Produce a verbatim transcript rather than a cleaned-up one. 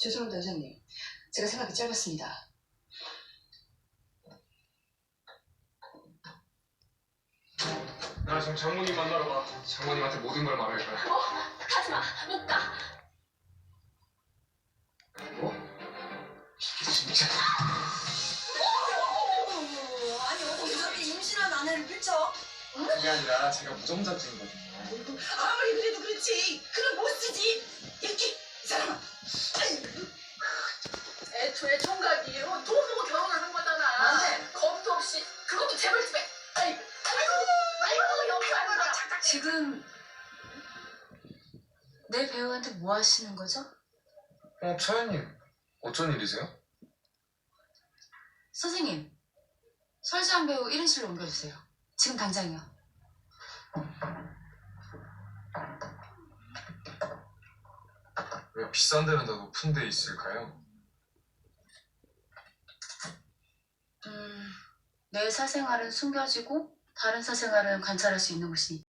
죄송합니다, 여사님. 제가 생각이 짧았습니다. 나 지금 장모님 만나러 가. 장모님한테 모든 걸 말할 거야. 어? 가지마. 못 가. 뭐? 이게 진짜. 어, 아니 어떻게 저렇게 임신한 아내를 밀쳐? 그게 아니라 제가 무정자증이거든요. 아무리 그래도 그렇지. 그럼 못 쓰지. 이렇게 이 사람아. 애초에 총각이 돈 보고 결혼하는 거잖아. 안 돼. 겁도 없이 그것도 재벌집에. 아이고 아이고 아이고 여기 앉아. 지금 내 배우한테 뭐 하시는 거죠? 어, 차연님. 어쩐 일이세요? 선생님, 설지한 배우 일 인실로 옮겨주세요. 지금 당장이요. 왜 비싼 데는 다 높은 데 있을까요? 음, 내 사생활은 숨겨지고 다른 사생활은 관찰할 수 있는 곳이니